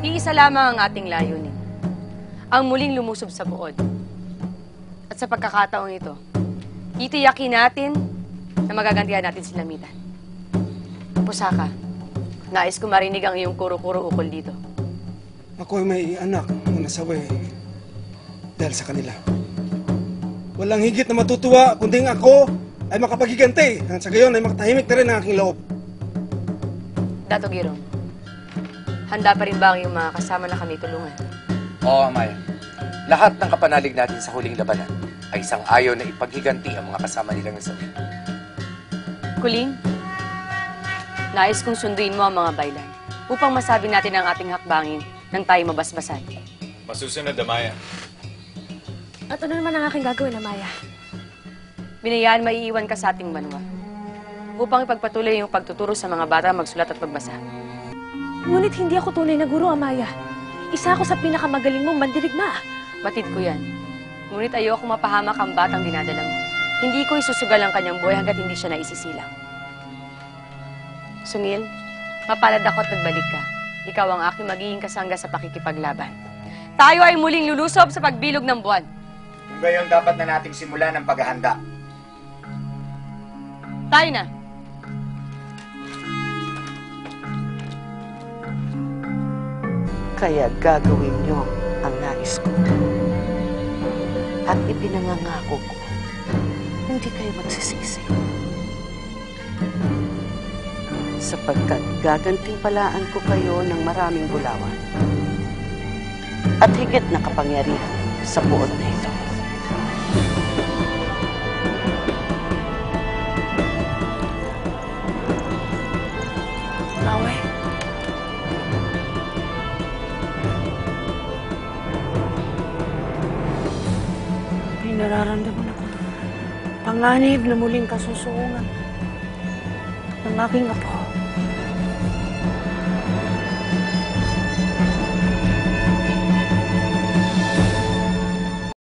Iisa lamang ang ating layunin. Ang muling lumusob sa buod. At sa pagkakataong ito, titiyakin natin na magagantihan natin si Lamitan. Pusaka, nais ko marinig ang iyong kuro-kuro ukol dito. Ako ay may anak na nasawi dahil sa kanila. Walang higit na matutuwa kundi ako ay makapaghiganti. At sa gayon ay makatahimik na rin ang aking loob. Dato Girong, handa pa rin ba ang iyong mga kasama na kami tulungan? Oo, Amaya. Lahat ng kapanalig natin sa huling labanan ay sang-ayon na ipaghiganti ang mga kasama nilang nasawi. Kuling, nais kong sunduin mo ang mga baylan upang masabi natin ang ating hakbangin nang tayo mabasbasan. Masusunod, Amaya. At ano naman ang aking gagawin, Amaya? Binayaan maiiwan ka sa ating banwa upang ipagpatuloy yung pagtuturo sa mga bata magsulat at magbasa. Ngunit hindi ako tunay na guro, Amaya. Isa ako sa pinakamagaling mong mandirigma. Batid ko yan. Ngunit ayoko mapahamak ang batang dinadala mo. Hindi ko isusugal ang kanyang buhay hanggat hindi siya naisisilang. Sungil, mapalad ako at nagbalik ka. Ikaw ang aking magiging kasangga sa pakikipaglaban. Tayo ay muling lulusob sa pagbilog ng buwan. Kung gayon, dapat na nating simulan ang paghahanda. Tayo na! Kaya gagawin niyo ang nais ko. At ipinangangako ko, hindi kayo magsisisi. Sapagkat gagantimpalaan ko kayo ng maraming bulawan. At higit na kapangyarihan sa buod na ito. Away. May nararamdaman ako. Panganib na muling kasusuungan ng aking apo.